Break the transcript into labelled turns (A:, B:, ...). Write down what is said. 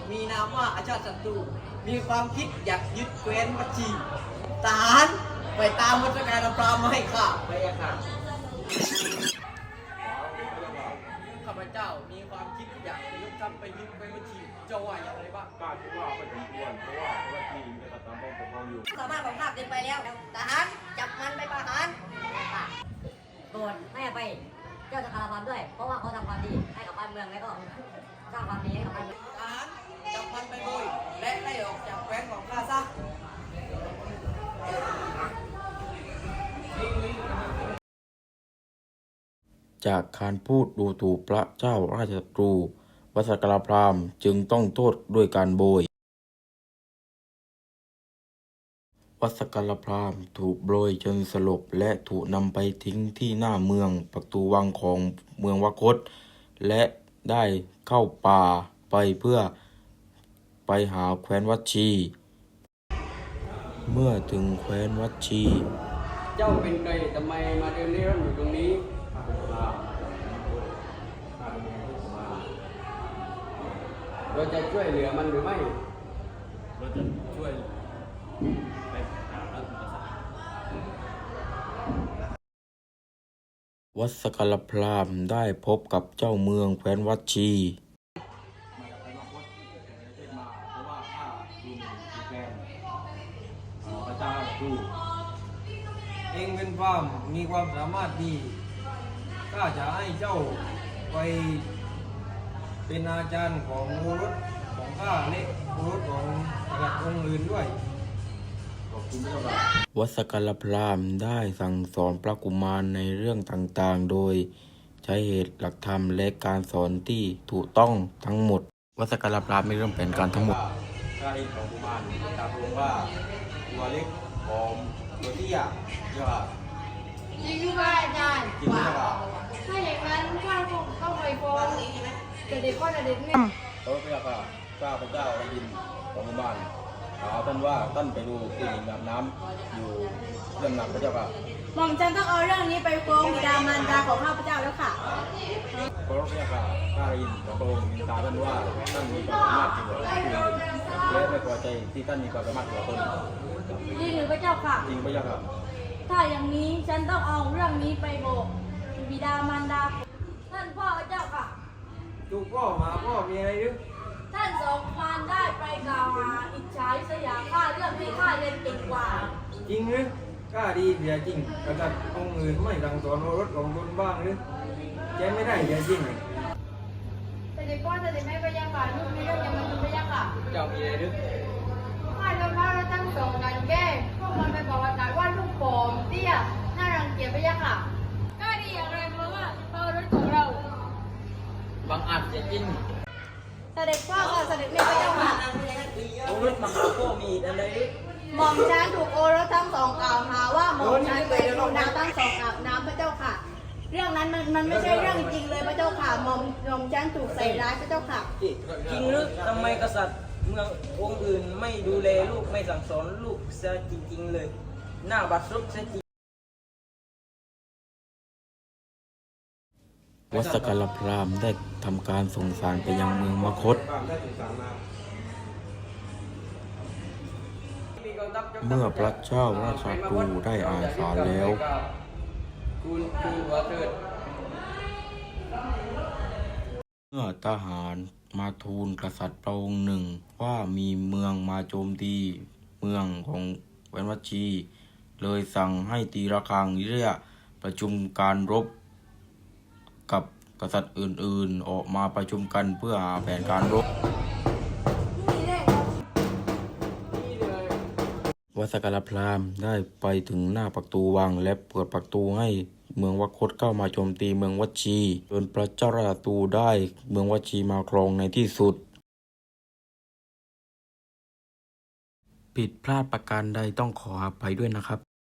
A: มีนามว่าอาชาติศัตรูมีความคิดอยากยึดแคว้นวัชีทหารไปตามวัชการพราหมณ์มาให้ข้าพระยาค่ะข้าพเจ้ามีความคิดอยากจะยกทัพไปยึดแคว้นวัชีเจ้าว่าอย่างไรบ้าง
B: ข้าคิดว่าไม่สมควรเพราะว่าที่มีกษัตริย์ตามปกครองอยู่
C: สามารถของข้าเกินไปแล้วทหารจับมันไปประหารโปรดให้อภัยเจ้าจักรพรรดิด้วยเพราะว่าเขาทำความดีให้กับบ้านเมืองและก็สร้างความดีให้กับบ้านเมือง
A: ทหารจับมันไปโดยและไล่ออกจากแคว้นของข้าซะ
D: จากการพูดดูถูกพระเจ้าราชศัตรูวัสกรพราหมณ์จึงต้องโทษด้วยการโบยวัสกรพราหมณ์ถูกโบยจนสลบและถูกนำไปทิ้งที่หน้าเมืองประตูวังของเมืองวคตและได้เข้าป่าไปเพื่อไปหาแคว้นวัชี เมื่อถึงแคว้นวัชี
A: เจ้าเป็นใครทำไมมาเดินเร่ร่อนอยู่ตรงนี้เราจะช่วยเหลือมันหรือไม่
B: เราจะช่วยไปหาพระกษัตริย์
D: วัสกรพราหมณ์ได้พบกับเจ้าเมืองแคว้นวัชี
E: เองเป็นพราหมณ์มีความสามารถดีข้าจะให้เจ้าไปเป็นอาจารย์ของโอรสของข้าและโอรสของกษัตริย์องค์อื่นด้วย
D: วัสกรพราหมณ์ได้สั่งสอนพระกุมารในเรื่องต่างๆโดยใช้เหตุหลักธรรมและการสอนที่ถูกต้องทั้งหมดวัสกรพราหมณ์ไม่เริ่มแผนการทั้งหมด
B: ข้าเองของกุมารตามรู้ว่าตัวเล็กผอมตัวเตี้ยเยอะ
F: จริงหรือเปล่าอาจารย์
B: จริงหรือเปล่า
F: ถ้าอย่างนั้นข้าคงเข้าไปฟ้องแต่เด็กก็จะเด็กเนี่ย
B: พระเจ้าค่ะข้าพระเจ้าได้ยินของกุมารถามท่านว่าท่านไปดูผู้หญิงอาบน้ำอยู่เรื่องหนักพระเจ้าค่ะ
F: หม่อมฉันต้องเอาเรื่องนี้ไปฟ้องบิดามารดาของข้าพเจ้าแล้วค่ะ
B: พระเจ้าค่ะข้าได้ยินของพระองค์ถามท่านว่าท่านมีความสามารถจริงหรือผู้อื่นและไม่พอใจที่ท่านมีความสามารถกว่าตน
F: จริงหรือพระเจ้าค่ะ
B: จริงพระเจ้าค่ะ
F: ถ้าอย่างนี้ฉันต้องเอาเรื่องนี้ไปบอกบิดามารดาท่านพ่อพระเจ้าค่ะ
E: ถูกพ่อมาพ่อมีอะไรหรือ
F: ท่านสองพานได้ไปกล่าวหาอิจฉาริษยาข้าเรื่องที่ข้าเรียนเก่งกว่า
E: จริงหรือข้าดีเสียจริงกษัตริย์องค์อื่นไม่สั่งสอนโอรสของตนบ้างหรือแกไม่ได้เสียจริง
F: แต่เด็กพ่อแต่เด็กแม่พระยาค่ะลูกมีเรื่องยังมันพระยาค่ะ
A: เจ้ามีอะไรหรือ
F: ข้าโดนพระเราตั้งสองกันแก้พวกมันไปบอกว่าลูกผอมเตี้ยน่ารังเกียจพระยาค่ะก็ดีอย่างไรเพราะว่าพระรถของเรา
A: บังอาจเสียจริง
F: เสด็จพ่อค่ะเสด็จแม่พระเจ้าค่ะ
A: โอรสมหาโพมีอะไรหรือ
F: หม่อมฉันถูกโอรสทั้งสองกล่าวหาว่าหม่อมฉันไปลงน้ำทั้งสองอาบน้ำพระเจ้าค่ะเรื่องนั้นมันไม่ใช่เรื่องจริงเลยพระเจ้าค่ะหม่อมฉันถูกใส่ร้ายพระเจ้าค่ะ
A: จริงหรือทำไมกษัตริย์เมืององค์อื่นไม่ดูแลลูกไม่สั่งสอนลูกเสียจริงๆเลยหน้าบัดซบเสียจริง
D: วัสกรพราหมณ์ได้ทำการส่งสารไปยังเมืองมคธเมื่อพระเจ้าราชศัตรูได้อ่านสารแล้วเมื่อทหารมาทูลกษัตริย์พระองค์หนึ่งว่ามีเมืองมาโจมตีเมืองของแคว้นวัชีเลยสั่งให้ตีระฆังเรียกประชุมการรบกับกษัตริย์อื่นๆออกมาประชุมกันเพื่อหาแผนการรบวัสกรพราหมณ์ได้ไปถึงหน้าประตูวังและเปิดประตูให้เมืองวคตเข้ามาโจมตีเมืองวัชีจนพระเจ้าราชศัตรูได้เมืองวัชีมาครองในที่สุดผิดพลาดประการใดต้องขออภัยด้วยนะครับ